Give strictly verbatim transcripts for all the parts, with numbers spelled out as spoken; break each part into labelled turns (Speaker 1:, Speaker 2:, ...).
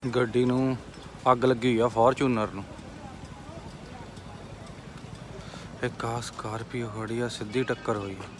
Speaker 1: ਗੱਡੀ ਨੂੰ ਅੱਗ ਲੱਗੀ ਹੋਈ ਆ ਫੋਰਚੂਨਰ ਨੂੰ। ਇੱਕ ਆ ਸਕਾਰਪੀਓ ਖੜੀ ਆ, ਸਿੱਧੀ ਟੱਕਰ ਹੋਈ ਆ।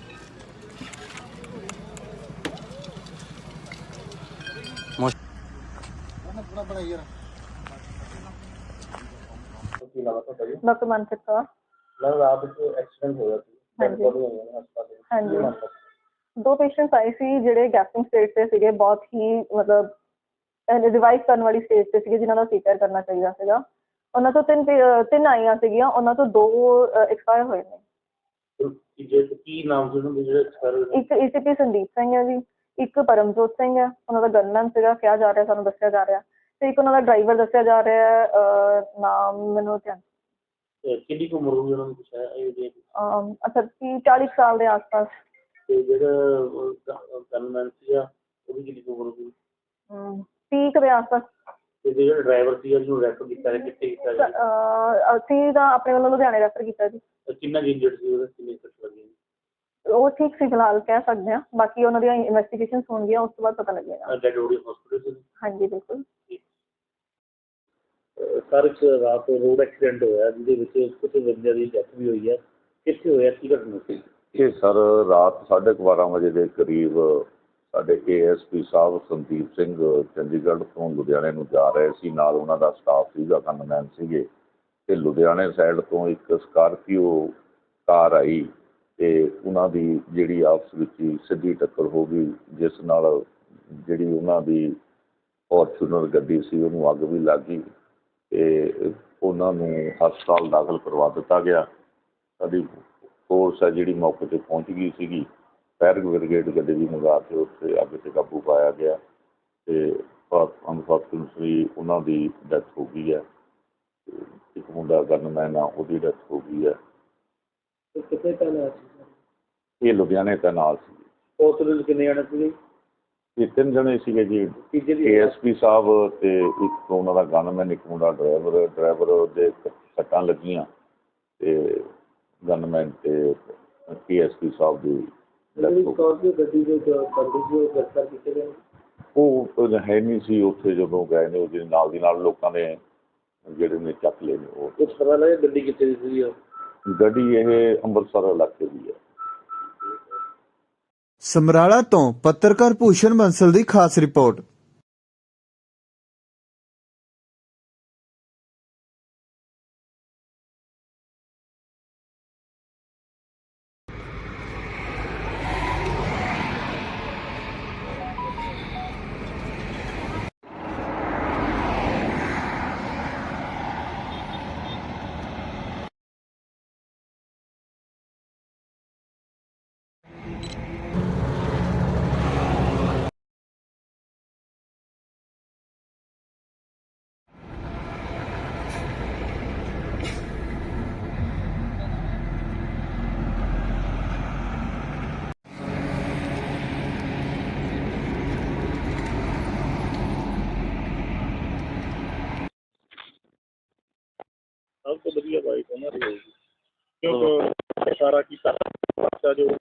Speaker 2: ਡਾਕਟਰ ਮਨਪ੍ਰੀਤ ਕੌਰ।
Speaker 3: मैम रात को एक्सीडेंट होया सी
Speaker 2: ਹਾਂਜੀ
Speaker 3: बॉडी आई है हस्पताल
Speaker 2: ਹਾਂਜੀ
Speaker 3: की मामला
Speaker 2: ਦੋ ਪੇਸ਼ੈਂਟਸ ਆਏ ਸੀ ਜਿਹੜੇ ਗੈਸਟਿੰਗ ਸਟੇਜ ਤੇ ਸੀਗੇ, ਬਹੁਤ ਹੀ ਮਤਲਬ ਰਿਵਾਈਵ ਕਰਨ ਵਾਲੀ ਸਟੇਜ ਤੇ ਸੀਗੇ, ਜਿਨ੍ਹਾਂ ਦਾ ਸੀਪੀਆਰ ਕਰਨਾ ਚਾਹੀਦਾ ਸੀਗਾ। ਉਹਨਾਂ ਤੋਂ ਤਿੰਨ ਪੇ- ਤਿੰਨ ਆਈਆਂ ਸੀਗੀਆਂ, ਉਹਨਾਂ ਤੋਂ ਦੋ ਐਕਸਪਾਇਰ ਹੋਏ ਨੇ।
Speaker 3: की जे की नाम से उन्होंने जो सर
Speaker 2: ਇੱਕ ਏਸੀਪੀ ਸੰਦੀਪ ਸਿੰਘ ਹੈ ਜੀ, ਇੱਕ ਪਰਮਜੋਤ ਸਿੰਘ ਹੈ, ਉਹਨਾਂ ਦਾ ਗਨਮੈਨ ਸੀਗਾ ਕਿਹਾ ਜਾ ਰਿਹਾ, ਸਾਨੂੰ ਦੱਸਿਆ ਜਾ ਰਿਹਾ, ਤੇ ਇੱਕ ਉਹਨਾਂ ਦਾ ਡਰਾਈਵਰ ਦੱਸਿਆ ਜਾ ਰਿਹਾ ਹੈ, ਅਹ, ਨਾਮ ਮੈਨੂੰ ਧਿਆਨ
Speaker 3: किन्नी को उम्र होगी उन्होंने कुछ है ये जे
Speaker 2: ਅਮ, ਅੱਛਾ ਤੀਹ ਚਾਲੀ ਸਾਲ ਦੇ ਆਸ-ਪਾਸ।
Speaker 3: ते जेड़ा गनमैन ਸੀਗਾ ਉਹਦੀ ਕਿੰਨੀ ਕੁ ਉਮਰ ਹੋਗੀ
Speaker 2: ਹਮ, ਤੀਹ ਕੁ ਦੇ ਆਸ-ਪਾਸ।
Speaker 3: ਤੇ ਜਿਹੜਾ ਡਰਾਈਵਰ ਸੀ ਉਹਨੂੰ ਰੈਫਰ ਕੀਤਾ ਹੈ ਕਿੱਥੇ ਕੀਤਾ ਹੈ
Speaker 2: ਅਹ, ਅਸੀਂ ਤਾਂ ਆਪਣੇ ਵੱਲੋਂ ਲੁਧਿਆਣੇ ਰੈਫਰ ਕੀਤਾ ਜੀ।
Speaker 3: ਕਿੰਨਾ ਇੰਜਰਡ ਸੀ ਉਹਦੇ ਕਿੰਨੇ ਸੱਟ ਲੱਗੀ
Speaker 2: ਉਹ ਠੀਕ ਸੀ ਫਿਲਹਾਲ, ਕਹਿ ਸਕਦੇ ਹਾਂ, ਬਾਕੀ ਉਹਨਾਂ ਦੀਆਂ ਇਨਵੈਸਟੀਗੇਸ਼ਨਸ ਹੋਣਗੀਆਂ, ਉਸ ਤੋਂ ਬਾਅਦ ਪਤਾ ਲੱਗੇਗਾ।
Speaker 3: ਡੈਡ ਬੋਡੀ ਹਸਪੀਟਲ ਸੀ
Speaker 2: ਹਾਂਜੀ ਬਿਲਕੁਲ।
Speaker 3: ਸਰ ਇੱਕ ਰਾਤ ਰੋਡ ਐਕਸੀਡੈਂਟ ਹੋਇਆ ਜਿਹਦੇ ਵਿੱਚ ਕੁਝ ਬੰਦਿਆਂ ਦੀ ਡੈਥ ਵੀ ਹੋਈ ਹੈ, ਕਿੱਥੇ ਹੋਇਆ ਕੀ ਘਟਨਾ ਸੀ?
Speaker 4: ਇਹ ਸਰ ਰਾਤ ਸਾਢੇ ਕੁ ਬਾਰਾਂ ਵਜੇ ਦੇ ਕਰੀਬ ਸਾਡੇ ਏ ਐਸ ਪੀ ਸਾਹਿਬ ਸੰਦੀਪ ਸਿੰਘ ਚੰਡੀਗੜ੍ਹ ਤੋਂ ਲੁਧਿਆਣੇ ਨੂੰ ਜਾ ਰਹੇ ਸੀ, ਨਾਲ ਉਹਨਾਂ ਦਾ ਸਟਾਫ ਸੀਗਾ, ਗਨਮੈਨ ਸੀਗੇ, ਅਤੇ ਲੁਧਿਆਣੇ ਸਾਈਡ ਤੋਂ ਇੱਕ ਸਕਾਰਪੀਓ ਕਾਰ ਆਈ ਅਤੇ ਉਹਨਾਂ ਦੀ ਜਿਹੜੀ ਆਪਸ ਵਿੱਚ ਹੀ ਸਿੱਧੀ ਟੱਕਰ ਹੋ ਗਈ, ਜਿਸ ਨਾਲ ਜਿਹੜੀ ਉਹਨਾਂ ਦੀ ਫੋਰਚੂਨਰ ਗੱਡੀ ਸੀ ਉਹਨੂੰ ਅੱਗ ਵੀ ਲੱਗ ਗਈ ਅਤੇ ਉਹਨਾਂ ਨੂੰ ਹਸਪਤਾਲ ਦਾਖਲ ਕਰਵਾ ਦਿੱਤਾ ਗਿਆ। ਸਾਡੀ ਫੋਰਸ ਹੈ ਜਿਹੜੀ ਮੌਕੇ 'ਤੇ ਪਹੁੰਚ ਗਈ ਸੀਗੀ, ਫਾਇਰ ਬ੍ਰਿਗੇਡ ਗੱਡੀ ਵੀ ਮੰਗਾ ਕੇ ਉੱਥੇ ਅੱਗ 'ਤੇ ਕਾਬੂ ਪਾਇਆ ਗਿਆ ਅਤੇ ਅਨਫੋਰਚੂਨੇਟਲੀ ਉਹਨਾਂ ਦੀ ਡੈਥ ਹੋ ਗਈ ਹੈ। ਅਤੇ ਇੱਕ ਮੁੰਡਾ ਗਨਮੈਨ ਆ, ਉਹਦੀ ਡੈਥ ਹੋ ਗਈ ਹੈ।
Speaker 3: ਕਿੱਥੇ ਤੈਨਾਤ ਸੀ?
Speaker 4: ਇਹ ਲੁਧਿਆਣੇ ਤੈਨਾਤ ਸੀ।
Speaker 3: ਹਸਪੀਟਲ ਕਿੰਨੇ ਜਾਣੇ ਸੀਗੇ?
Speaker 4: ਇਹ ਤਿੰਨ ਜਣੇ ਸੀਗੇ ਜੀ, ਏ ਐਸ ਪੀ ਸਾਹਿਬ ਅਤੇ ਇੱਕ ਉਹਨਾਂ ਦਾ ਗਨਮੈਨ, ਇੱਕ ਮੁੰਡਾ ਡਰਾਈਵਰ ਡਰਾਈਵਰ ਦੇ ਸੱਟਾਂ ਲੱਗੀਆਂ ਅਤੇ ਗਨਮੈਨ ਅਤੇ ਏ ਐਸ ਪੀ ਸਾਹਿਬ ਦੀ
Speaker 3: ਸਕਾਰਪੀਓ ਗੱਡੀ ਦੇ ਬੰਦੇ ਸੀ ਉਹ ਗ੍ਰਿਫਤਾਰ ਕੀਤੇ ਗਏ?
Speaker 4: ਉਹ ਹੈ ਨਹੀਂ ਸੀ ਉੱਥੇ ਜਦੋਂ ਗਏ ਨੇ, ਉਹਦੇ ਨਾਲ ਦੀ ਨਾਲ ਲੋਕਾਂ ਨੇ ਜਿਹੜੇ ਨੇ ਚੱਕ ਲਏ ਨੇ। ਉਹ
Speaker 3: ਕੁਛ ਪਤਾ ਲੱਗਿਆ ਗੱਡੀ ਕਿੱਥੇ ਦੀ ਸੀ?
Speaker 4: ਗੱਡੀ ਇਹ ਅੰਮ੍ਰਿਤਸਰ ਇਲਾਕੇ ਦੀ ਹੈ।
Speaker 5: ਸਮਰਾਲਾ ਤੋਂ ਪੱਤਰਕਾਰ ਭੂਸ਼ਣ ਬੰਸਲ ਦੀ ਖਾਸ ਰਿਪੋਰਟ।
Speaker 3: ਸਭ ਤੋਂ ਵਧੀਆ ਬਾਈਕ ਉਹਨਾਂ ਦੀ ਹੋਊਗੀ, ਕਿਉਂਕਿ ਸਾਰਾ ਕੀਤਾ ਬੱਚਾ ਜੋ